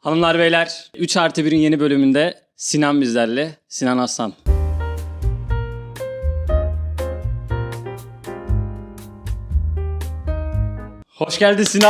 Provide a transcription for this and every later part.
Hanımlar beyler 3+1'in yeni bölümünde Sinan bizlerle. Sinan Aslan. Hoş geldin Sinan.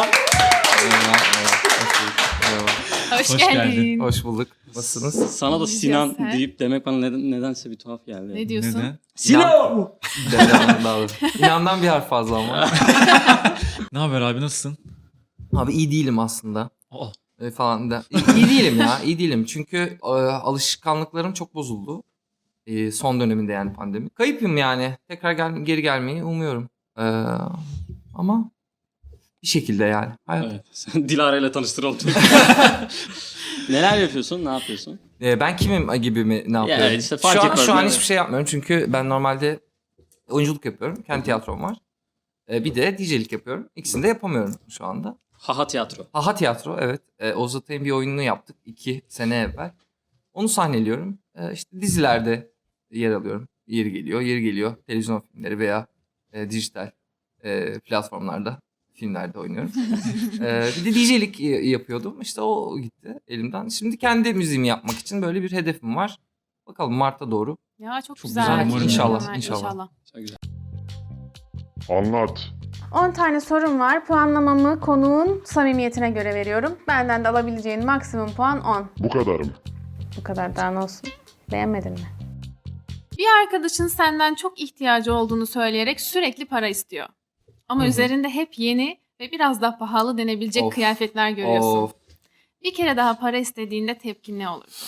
Hoş geldin. Hoş bulduk. Nasılsınız? Sana da Sinan Sen? deyip demek bana nedense bir tuhaf geldi. Ne diyorsun? Neden? Sinan! İnandan bir harf fazla ama. Ne haber abi, nasılsın? Abi iyi değilim aslında. Oh. Falan da. İyi değilim ya. İyi değilim. Çünkü alışkanlıklarım çok bozuldu. Son döneminde yani pandemi. Kayıpım yani. Tekrar geri gelmeyi umuyorum. Ama bir şekilde yani. Hayat. Evet. Sen Dilara ile tanıştıralım. Neler yapıyorsun? Ne yapıyorsun? Ben kimim gibi mi ne yapıyorum? işte fark etmez, şu an değil mi? hiçbir şey yapmıyorum. Çünkü ben normalde oyunculuk yapıyorum. Kendi tiyatrom var. Bir de DJ'lik yapıyorum. İkisini de yapamıyorum şu anda. Haha tiyatro. Haha tiyatro, evet. Oğuz Atay'ın bir oyununu yaptık 2 sene evvel. Onu sahneliyorum. İşte dizilerde yer alıyorum. Yeri geliyor. Televizyon filmleri veya dijital platformlarda, filmlerde oynuyorum. Bir de DJ'lik yapıyordum. İşte o gitti elimden. Şimdi kendi müziğimi yapmak için böyle bir hedefim var. Bakalım Mart'a doğru. Ya çok Çok güzel. güzel, umarım İnşallah. Çok güzel. Anlat. 10 tane sorum var. Puanlamamı konuğun samimiyetine göre veriyorum. Benden de alabileceğin maksimum puan 10. Bu kadarım. Bu kadar, daha ne olsun? Beğenmedin mi? Bir arkadaşın senden çok ihtiyacı olduğunu söyleyerek sürekli para istiyor. Ama Hı hı. üzerinde hep yeni ve biraz daha pahalı denebilecek Of. kıyafetler görüyorsun. Of. Bir kere daha para istediğinde tepkin ne olurdu?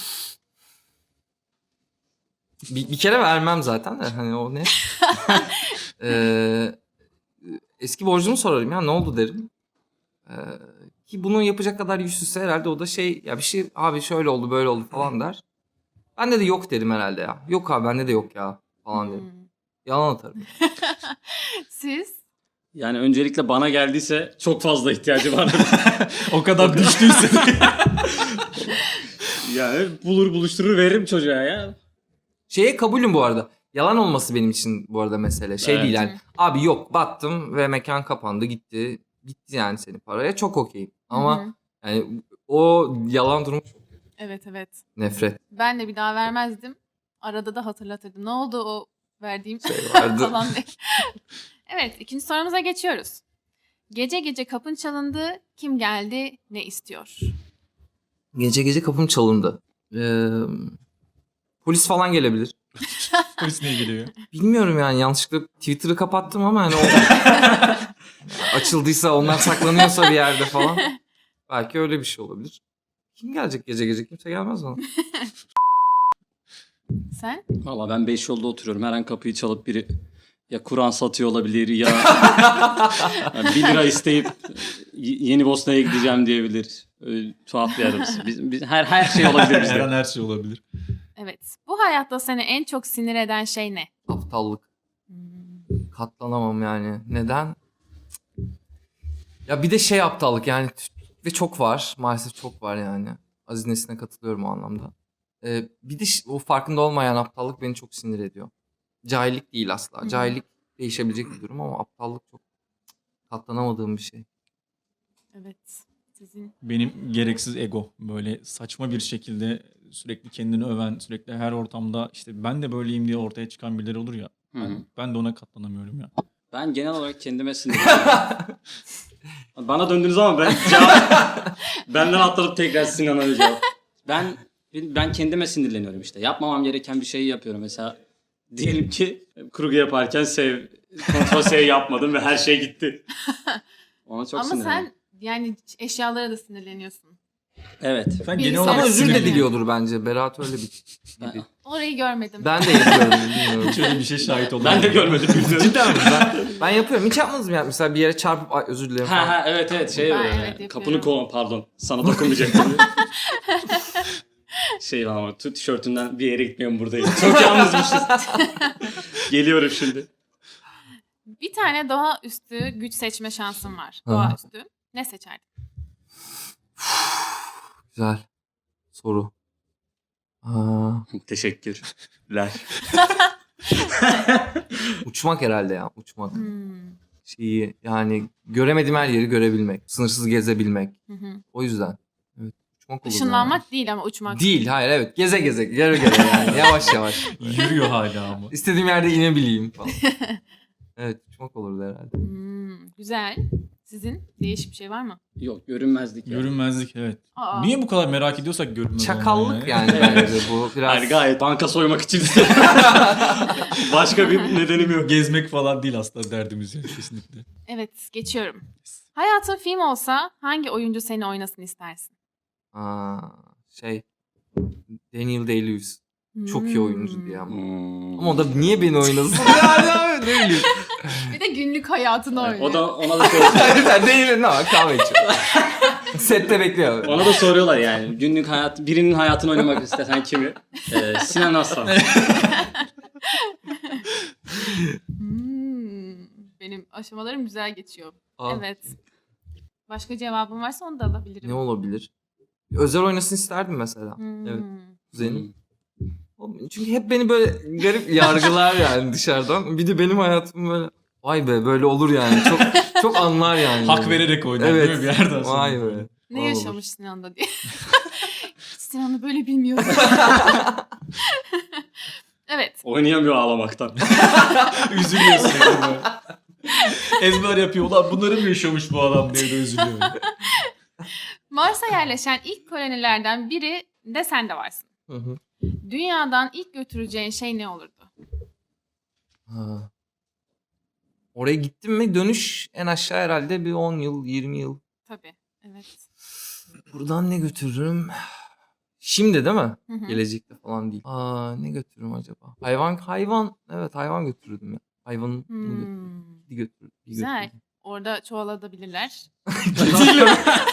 Bir kere vermem zaten de. Hani o ne? Eski borcumu sorarım ya, ne oldu derim. Ki bunu yapacak kadar yüzsüzse herhalde o da ya bir şey abi şöyle oldu böyle oldu falan der. Bende de yok derim herhalde ya. Yok abi, bende de yok ya falan derim. Yalan atarım. Siz? Yani öncelikle bana geldiyse çok fazla ihtiyacı var. O kadar düştüyse. Yani buluşturur veririm çocuğa ya. Şeye kabulüm bu arada. Yalan olması benim için bu arada mesele. Evet. Değil yani. Abi yok, battım ve mekan kapandı gitti. Gitti yani senin paraya, çok okeyim. Ama Hı hı. yani o yalan durumu çok Evet. nefret Ben de bir daha vermezdim. Arada da hatırlatırdım. Ne oldu o verdiğim vardı. falan diye. Evet, ikinci sorumuza geçiyoruz. Gece gece kapın çalındı. Kim geldi? Ne istiyor? Gece kapım çalındı. Polis falan gelebilir. Polis ne geliyor? Bilmiyorum yani, yanlışlıkla Twitter'ı kapattım ama hani o açıldıysa, onlar saklanıyorsa bir yerde falan. Belki öyle bir şey olabilir. Kim gelecek gece? Kimse gelmez bana. Sen? Valla ben 5 yolda oturuyorum. Her an kapıyı çalıp biri ya Kur'an satıyor olabilir ya, ya 1 lira isteyip Yeni Bosna'ya gideceğim diyebilir. Öyle tuhaf bir yerimiz. Biz, her şey olabilir Her an bizde. her şey olabilir. Evet. Bu hayatta seni en çok sinir eden şey ne? Aptallık. Katlanamam yani. Neden? Ya bir de aptallık yani, ve çok var. Maalesef çok var yani. Aziz Nesin'e katılıyorum o anlamda. Bir de o farkında olmayan aptallık beni çok sinir ediyor. Cahillik değil asla. Hı. Cahillik değişebilecek bir durum ama aptallık çok katlanamadığım bir şey. Evet. Sizin? Benim gereksiz ego. Böyle saçma bir şekilde sürekli kendini öven, sürekli her ortamda işte ben de böyleyim diye ortaya çıkan birileri olur ya. Hı hı. Ben de ona katlanamıyorum ya. Ben genel olarak kendime sinirleniyorum. Bana döndüğünüz zaman benden atlanıp tekrar Sinan'a cevap. Ben kendime sinirleniyorum işte. Yapmamam gereken bir şeyi yapıyorum. Mesela diyelim ki kurgu yaparken kontrol sev yapmadım ve her şey gitti. Ona çok Ama sinirleniyorum. sen yani eşyalara da sinirleniyorsun. Evet. Sen Birisi- genel Ama olarak özür de sinirleniyor. diliyordur bence. Berat öyle bir... Ben, Orayı görmedim. Ben de yapıyorum, bilmiyorum. şöyle bir şey şahit oldum. ben de görmedim. Bilmiyorum. Cidden mi? Ben yapıyorum. Hiç yapmadınız mı ya? Mesela bir yere çarpıp "Ay, özür dilerim" falan. Ha evet Ben böyle. evet Kapını yapıyorum. pardon. Sana dokunmayacaktım. Ama tişörtünden bir yere gitmiyorum, buradayım. Çok yalnızmışız. Geliyorum şimdi. Bir tane doğaüstü güç seçme şansın var. Hı. Doğaüstü. Ne seçerdin? Güzel soru. Teşekkürler. Uçmak herhalde ya. Uçmak. Hmm. Yani göremediğim her yeri görebilmek. Sınırsız gezebilmek. Hı hı. O yüzden. Evet, Uçmak olur. Işınlanmak değil ama uçmak. Değil, hayır, evet. Geze geze, göre göre yani. Yavaş yavaş. Yürüyor hala ama. İstediğim yerde inebileyim falan. Evet, uçmak olurdu herhalde. Güzel. Sizin değişik bir şey var mı? Yok, görünmezlik ya. Görünmezlik, evet. Aa. Niye bu kadar merak ediyorsak görünmez Çakallık olmayı yani bence bu biraz. Yani gayet banka soymak için. Başka bir nedenim yok. Gezmek falan değil aslında derdimiz yani kesinlikle. Evet, geçiyorum. Hayatın film olsa hangi oyuncu seni oynasın istersin? Şey, Daniel Day-Lewis. Çok iyi oyuncu diye ama. Hmm. Ama o da niye beni oynasın? Yani abi, ne bileyim. Bir de günlük hayatını oynuyor. O da ona da soruyorlar. Sen Daniel'in ne var? Kahve içiyor. Sette bekliyor. Ona da soruyorlar yani. Günlük hayat, birinin hayatını oynamak istesen kimi? Sinan Aslan. Benim aşamalarım güzel geçiyor. Aa, Evet. Başka cevabın varsa onu da alabilirim. Ne olabilir? Özel oynasın isterdim mesela. Evet. Kuzenim. Çünkü hep beni böyle garip yargılar yani dışarıdan. Bir de benim hayatım böyle vay be böyle olur yani. Çok çok anlar yani. Hak vererek oynar Evet. değil mi bir yerden sonra? Vay be. Ne Olur. yaşamış Sinan'da diye. Sinan'ı böyle bilmiyorum. Evet. Oynayamıyor ağlamaktan. Üzülüyorsun yani böyle. Ezber yapıyor. Ulan bunları mı yaşamış bu adam diye de üzülüyor. Mars'a yerleşen ilk kolonilerden biri de sen de varsın. Hı hı. Dünyadan ilk götüreceğin şey ne olurdu? Ha. Oraya gittim mi dönüş en aşağı herhalde bir 10 yıl 20 yıl. Tabii. Evet. Buradan ne götürürüm? Şimdi değil mi? Hı hı. Gelecekte falan değil. Ne götürürüm acaba? Hayvan. Evet, hayvan götürürdüm ya. Hayvanı götürürdüm. Güzel. Orada çoğalabilirler. Gidiyorum.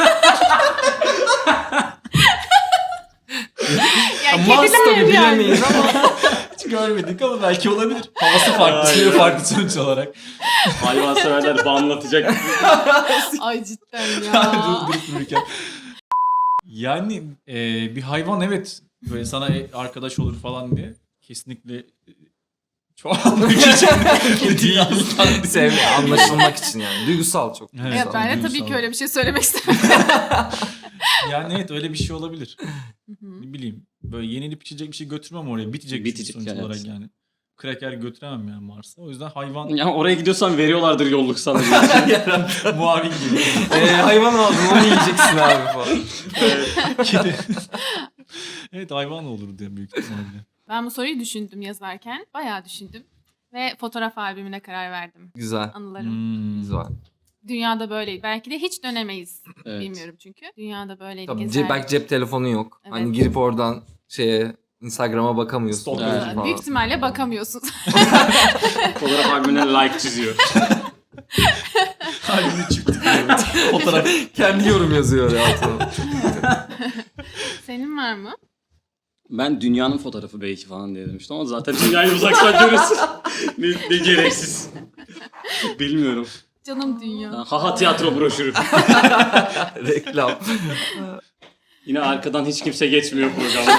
Ya Mars kediler tabii yani. bilemeyiz ama. Hiç görmedik ama belki olabilir. Havası farklı, suyu farklı sonuç olarak. Hayvanseverler banlatacak. Ay cidden Durup ya. dururken. Yani bir hayvan evet böyle sana arkadaş olur falan diye kesinlikle çoğalmak için değil. Sevme, anlaşılmak için yani. Duygusal çok. Evet, Evet, ben de tabii duygusal. ki öyle bir şey söylemek istemem. Yani evet öyle bir şey olabilir. Hı hı. Ne bileyim böyle yenilip içecek bir şey götürmem oraya. Bitecek, Bitecek, sonuç evet. olarak yani. Kraker götüremem yani Mars'a. O yüzden hayvan Ya oraya gidiyorsan veriyorlardır yolluk sana. muavin gibi. Hayvan aldın onu yiyeceksin abi falan. Kedi. Evet hayvan olur diye büyük ihtimalle. Ben bu soruyu düşündüm yazarken. Bayağı düşündüm. Ve fotoğraf albümüne karar verdim. Güzel. Anılarım. Güzel. Dünyada böyleydi. Belki de hiç dönemeyiz. Evet. Bilmiyorum çünkü. Dünyada böyleydi. Tabii gezerdik. belki cep telefonu yok. Evet. Hani girip oradan Instagram'a bakamıyorsun. Stalker. falan. Büyük ihtimalle bakamıyorsunuz. Fotoğraf albümüne like çiziyor. Halini çıktı. Fotoğraf. Kendi yorum yazıyor ya altına. Senin var mı? Ben dünyanın fotoğrafı belki falan diye demiştim ama zaten dünyayı uzaktan görürsün. ne gereksiz. Bilmiyorum. Canım dünya. Haha tiyatro broşürü. Reklam. Yine arkadan hiç kimse geçmiyor programda.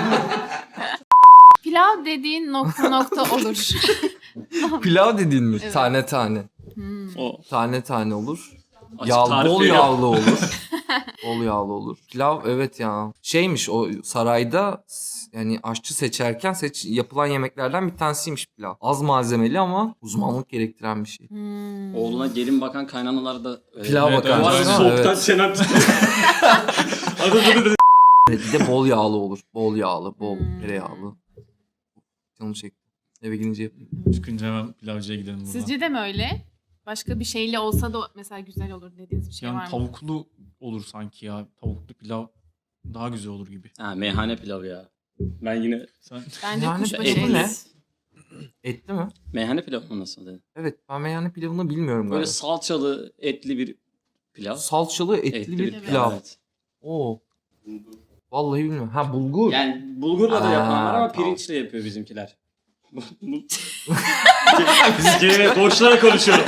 Pilav dediğin nokta olur. Pilav dediğin mi? Evet. Tane tane. O Tane tane olur. açık tarif Bol veriyor. yağlı olur. Bol yağlı olur. Pilav evet ya. Şeymiş o sarayda yani aşçı seçerken yapılan yemeklerden bir tanesiymiş pilav. Az malzemeli ama uzmanlık gerektiren bir şey. Oğluna gelin bakan kaynanalar da Pilav Evet, bakan. Bu arada evet. soğuktan Evet. çenem titriyor. Bir de bol yağlı olur. Bol yağlı, bol tereyağlı. Canım çekti. Eve gidince yapayım. Çıkınca hemen pilavcıya gidelim buradan. Sizce de mi öyle? Başka bir şeyle olsa da mesela güzel olur dediğiniz bir şey var Yani mı? tavuklu olur sanki ya. Tavuklu pilav daha güzel olur gibi. Ha meyhane pilavı ya. Ben yine Sen Bence Yani kuşbaşı etli et. ne? Etli mi? meyhane pilavı mı nasıl dedi? Evet ben meyhane pilavını bilmiyorum Böyle galiba. salçalı etli bir pilav. Salçalı etli bir Evet. pilav. Evet. Oo. Vallahi bilmiyorum. Ha bulgur. Yani bulgurla da yapan var ama tamam. pirinçle yapıyor bizimkiler. Biz gene boşlara konuşuyorum.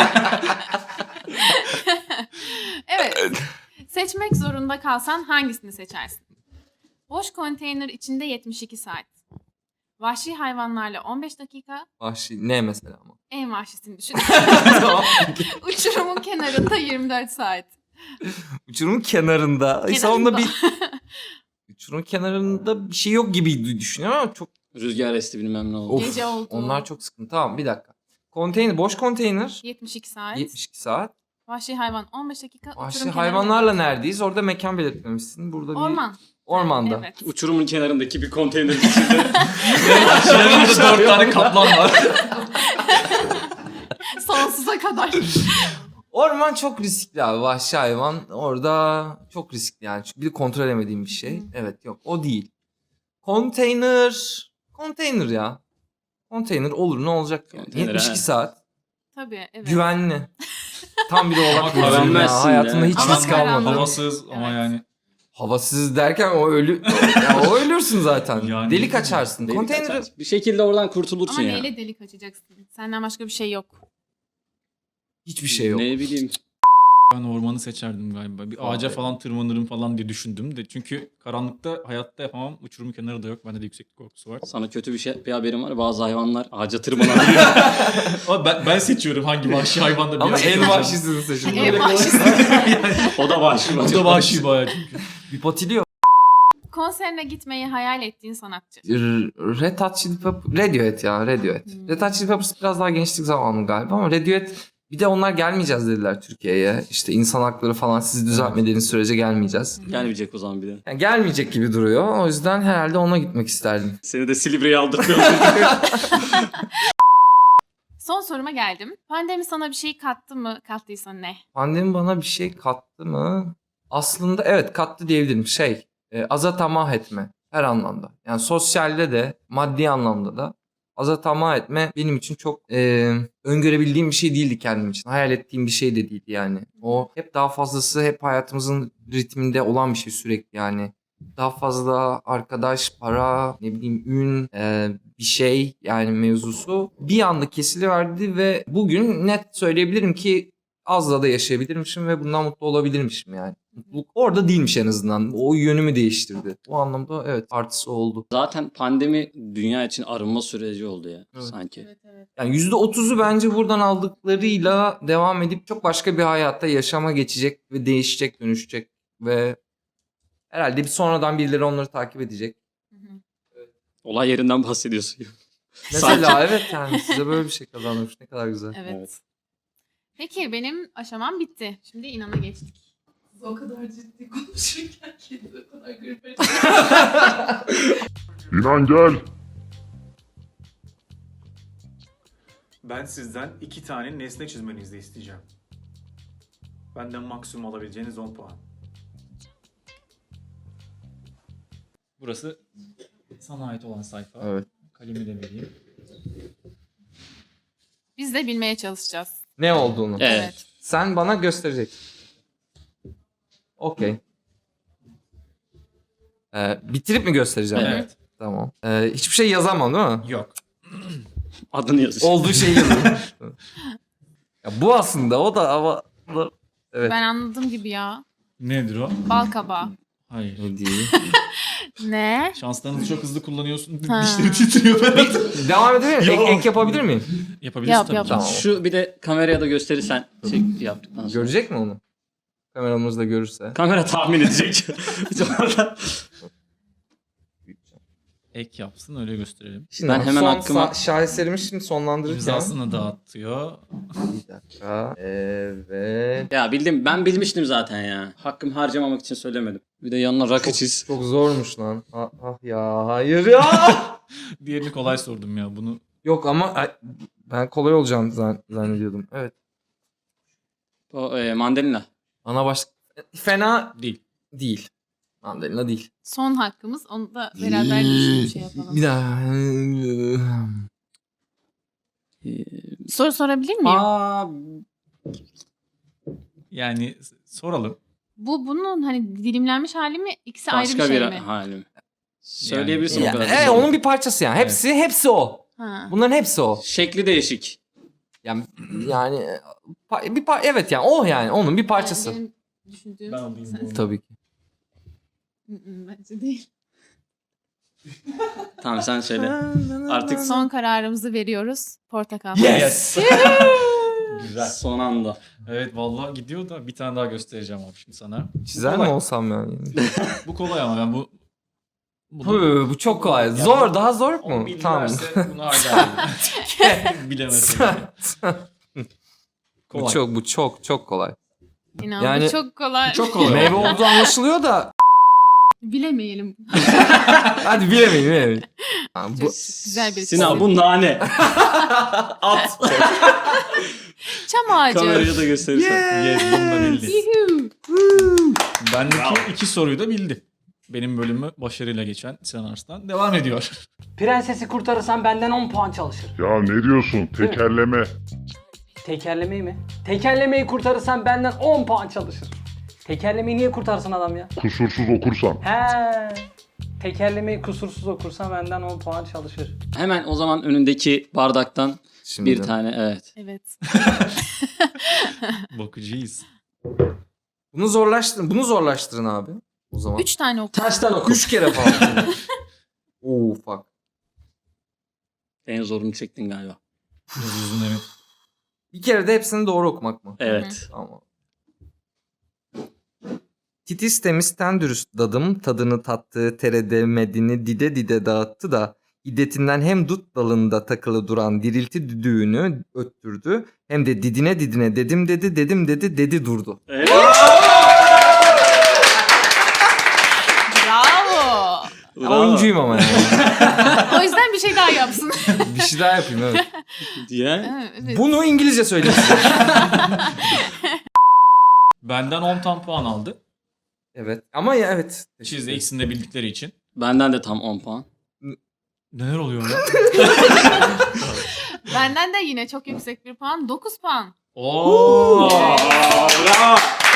Evet. Seçmek zorunda kalsan hangisini seçersin? Boş konteyner içinde 72 saat. Vahşi hayvanlarla 15 dakika. Vahşi. Ne mesela ama? En vahşisini düşün. Tamam. Uçurumun kenarında 24 saat. Uçurumun kenarında. Ay, sonunda bir Uçurum kenarında bir şey yok gibi düşünüyorum ama çok Rüzgar esti bilmem ne oldu. Of, Gece oldu. onlar çok sıkıntı. Tamam bir dakika. Konteyner, boş konteyner 72 saat. 72 saat. Vahşi hayvan 15 dakika. Vahşi uçurum hayvanlarla kenarında. neredeyiz? Orada mekan belirtmemişsin. Burada bir Orman. ormanda. Evet. Uçurumun kenarındaki bir konteyner içinde. Yanımda 4 tane kaplan var. Sonsuza kadar. Orman çok riskli abi. Vahşi hayvan orada çok riskli yani. Çünkü bir de kontrol edemediğim bir şey. Evet yok o değil. Konteyner. Konteyner ya. Konteyner olur ne olacak? Yani? Konteyner, 72 he. saat. Tabii evet. Güvenli. Tam bir oğlak Ama burcuyum ya. güvenmezsin Hayatımda de. hiç Ama risk almadım. karanlık. Havasız ama Evet. yani. Havasız derken o ölü ya o ölürsün zaten. Yani- Delik açarsın. Delik Konteyneri açar. Bir şekilde oradan kurtulursun Ama ya. neyle delik açacaksın? Senden başka bir şey yok. hiçbir şey yok. Ne bileyim. Ben ormanı seçerdim galiba. Bir ağaca falan tırmanırım falan diye düşündüm de. Çünkü karanlıkta hayatta yapamam. Uçurum kenarı da yok. Bende de yükseklik korkusu var. Sana kötü bir haberim var. Bazı hayvanlar ağaca tırmanabiliyor. Ama ben seçiyorum hangi vahşi hayvanda bir Ama yerde en kalacağım. vahşisini seçin. En vahşisi. O da vahşi. O da vahşi bayağı çünkü. Bir patiliyor. Konserine gitmeyi hayal ettiğin sanatçı. Red Hot Chili Peppers, Radiohead ya Radiohead. Red Hot Chili Peppers biraz daha gençlik zamanı galiba ama Radiohead bir de onlar gelmeyeceğiz dediler Türkiye'ye. İşte insan hakları falan sizi düzeltmediğiniz sürece gelmeyeceğiz. Gelmeyecek o zaman bir de. Yani gelmeyecek gibi duruyor. O yüzden herhalde ona gitmek isterdim. Seni de Silivri'ye aldırtmıyorum. Son soruma geldim. Pandemi sana bir şey kattı mı? Kattıysa ne? Pandemi bana bir şey kattı mı? Aslında evet kattı diyebilirim. Aza tamah etme her anlamda. Yani sosyalde de maddi anlamda da aza tamah etme benim için çok öngörebildiğim bir şey değildi kendim için. Hayal ettiğim bir şey de değildi yani. O hep daha fazlası hep hayatımızın ritminde olan bir şey sürekli yani. Daha fazla arkadaş, para, ne bileyim ün, bir şey yani mevzusu bir anda kesiliverdi ve bugün net söyleyebilirim ki azla da yaşayabilirmişim ve bundan mutlu olabilirmişim yani. Mutluluk orada değilmiş en azından. O yönümü değiştirdi. O anlamda evet artısı oldu. Zaten pandemi dünya için arınma süreci oldu ya Evet. sanki. Evet. Yani %30'u bence buradan aldıklarıyla devam edip çok başka bir hayatta yaşama geçecek ve değişecek, dönüşecek ve herhalde bir sonradan birileri onları takip edecek. Olay yerinden bahsediyorsun. Mesela evet yani size böyle bir şey kazanmış. Ne kadar güzel. Evet. Evet. Peki benim aşamam bitti. Şimdi inana geçtik. O kadar ciddi konuşurken kendi o kadar gülüp İnan gel. Ben sizden 2 tane nesne çizmenizi isteyeceğim. Benden maksimum alabileceğiniz 10 puan. Burası sana ait olan sayfa. Evet. Kalemi de vereyim. Biz de bilmeye çalışacağız. Ne olduğunu. Evet. Sen bana göstereceksin. Okey. Bitirip mi göstereceğim? Evet. Tamam. Hiçbir şey yazamam değil mi? Yok. Adını yazıyor. Olduğu şeyi yazıyorum. Ya bu aslında o da ama... Evet. Ben anladım gibi ya. Nedir o? Bal kabağı. Hayır. Ne diyeyim? Ne? Şanslarınızı çok hızlı kullanıyorsun. Ha. Dişleri titriyor Berat. Devam edebilir miyim? Yok. Ek yapabilir miyim? Yapabilirsin Yap, tabii. yap. Tamam. Şu bir de kameraya da gösterirsen yaptıktan sonra. Görecek mi onu? Kameramız da görürse. Kamera tahmin edecek. Sonra- Ek yapsın öyle gösterelim. Şimdi Ben hemen hakkıma- şaheserimi şimdi sonlandırırken. İmzasını dağıtıyor. Bir dakika. Evet. Ya bildim. Ben bilmiştim zaten ya. Hakkımı harcamamak için söylemedim. Bir de yanına rakı çiz. Çok zormuş lan. Ah ya hayır ya. Diğerini kolay sordum ya bunu. Yok ama ben kolay olacağını zannediyordum. Evet. O mandalina. Ana baş... Fena Değil. değil. Mandalina değil. Son hakkımız. Onu da beraber düşünüp şey yapalım. Bir daha. Soru sorabilir miyim? Aa, Yani soralım. Bunun hani dilimlenmiş hali mi? İkisi ayrı bir başka şey bir mi? halim. Söyleyebilirsin o Ya, kadar. evet onun bir parçası yani. Hepsi o. Ha. Bunların hepsi o. Şekli değişik. Yani evet yani o yani onun bir parçası. Benim düşündüğüm... Ben alayım bunu. Tabii ki. Bence değil. Tamam sen söyle. Artık Son kararımızı veriyoruz. Portakal. Yes. Güzel. Son anda. Evet vallahi gidiyor da bir tane daha göstereceğim abi şimdi sana. Çizer mi kolay. olsam yani? Bu kolay ama ben bu Bu çok kolay. Zor, daha zor Onu mu? bilirlerse bunu hala bilemezsin. Bu çok kolay. İnan Yani- bu çok kolay. Çok kolay. Meyve olduğu anlaşılıyor da Bilemeyelim. hadi bilemeyin. Ha, bu Güzel bir Sinan bu nane. At. Çam ağacı. Kameraya da gösterirsen. Yes, bunu da bildi. Yuhu. Bendeki 2 soruyu da bildi. Benim bölümü başarıyla geçen Sinan Arslan devam ediyor. Prensesi kurtarırsan benden 10 puan çalışır. Ya ne diyorsun? Tekerleme. Tekerlemeyi mi? Tekerlemeyi kurtarırsan benden 10 puan çalışır. Tekerlemeyi niye kurtarsın adam ya? Kusursuz okursan. He. Tekerlemeyi kusursuz okursan benden 10 puan çalışır. Hemen o zaman önündeki bardaktan şimdi bir tane evet. Evet. Bakıcıyız. bunu zorlaştırın abi. O zaman 3 tane oku. Tersten oku. 3 kere falan. Oo fuck. En zorunu çektin galiba. Biraz uzun evet. Bir kere de hepsini doğru okumak mı? Evet. Tamam. Titis temiz ten dürüst dadım, tadını tattığı teredemedini dide dide dağıttı da iddetinden hem dut dalında takılı duran dirilti düdüğünü öttürdü hem de didine didine dedim dedi durdu. Bravo. Oyuncuyum ama yani. O yüzden bir şey daha yapsın. Bir şey daha yapayım evet. Diye. Evet. Bunu İngilizce söyleyeyim size. Benden 10 tam puan aldı. Evet ama ya evet. Çizde ikisini de bildikleri için. Benden de tam 10 puan. Neler oluyor ya? Benden de yine çok yüksek bir puan. 9 puan. Oo! Bravo.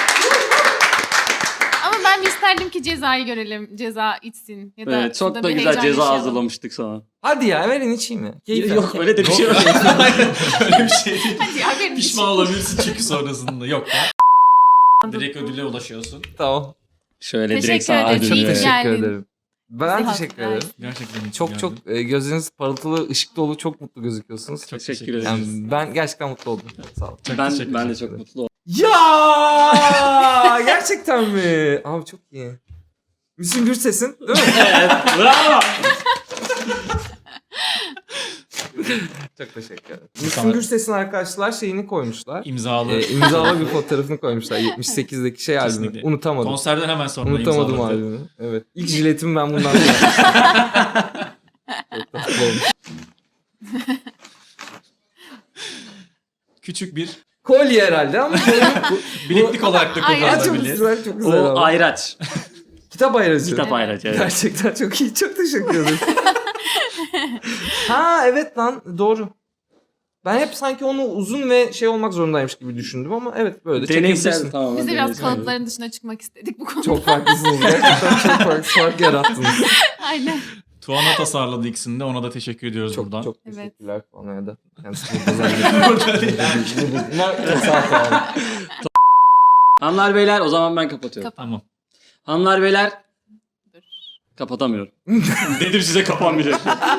Ama ben bir isterdim ki cezayı görelim. Ceza içsin. Ya da Evet, çok şurada da bir güzel heyecan ceza yaşayalım. hazırlamıştık sana. Hadi ya verin içeyim mi? Keyifli. Yok öyle de bir şey yok. Öyle bir şey değil. Hadi ya verin Pişman olabilirsin çünkü sonrasında. Yok ya. Direkt ödüle ulaşıyorsun. Tamam. Şöyle Teşekkür direkt sağa ederim. Çok İyi dönüyor. ki teşekkür geldin. ederim. Ben Bizi teşekkür hatırlar. ederim. Gerçekten iyi ki Çok geldin. çok gözleriniz parıltılı, ışık dolu, çok mutlu gözüküyorsunuz. Çok Teşekkür ederiz. Yani ben gerçekten mutlu oldum. Sağ olun. Çok Ben teşekkür de ederim. çok mutlu oldum. Ya gerçekten mi? Abi çok iyi. Müslüm Gürses'in değil mi? Evet. Bravo. Çok teşekkür ederim. Müslüm Gürses'in arkadaşlar şeyini koymuşlar. İmzalı. İmzalı bir fotoğrafını koymuşlar. 78'deki şey albümü. Kesinlikle. Unutamadım. Konserden hemen sonra Unutamadım imzaladı. albümü. Evet. İlk jiletimi ben bundan sonra. Çok tatlı olmuş. Küçük bir Kolye herhalde ama bileklik olarak da Ay, Aa, çok kullanılabilir. güzel, çok güzel. O abi. ayraç. Kitap ayracı. Kitap ayraç evet. Gerçekten çok iyi. Çok teşekkür ederim. Ha evet lan doğru. Ben hep sanki onu uzun ve şey olmak zorundaymış gibi düşündüm ama evet böyle de Deneysel çekebilirsin. tamam. Biz de biraz deneysel. kalıpların dışına çıkmak istedik bu konuda. Çok farklısınız. Gerçekten çok fark yarattınız. Aynen. Tuana tasarladı ikisini de. Ona da teşekkür ediyoruz Çok buradan. çok Evet. teşekkürler falan ya da. Kendisine Bunlar sağ olun. Hanımlar beyler o zaman ben kapatıyorum. Tamam. Hanımlar beyler kapatamıyorum. Dedim size kapanmayacak.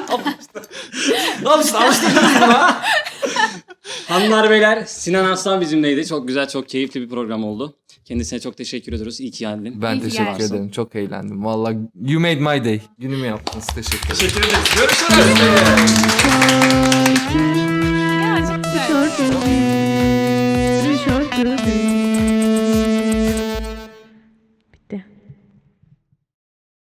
Al işte alıştırdınız buna. Hanımlar beyler Sinan Arslan bizimleydi. Çok güzel çok keyifli bir program oldu. Kendisine çok teşekkür ediyoruz. İyi ki geldin. Ben İyi ki teşekkür geldin. ederim. Çok eğlendim. Vallahi you made my day. Günümü yaptınız. Teşekkür ederim. Teşekkür ederiz. Görüşürüz. Ya, çok güzel. Şarkı.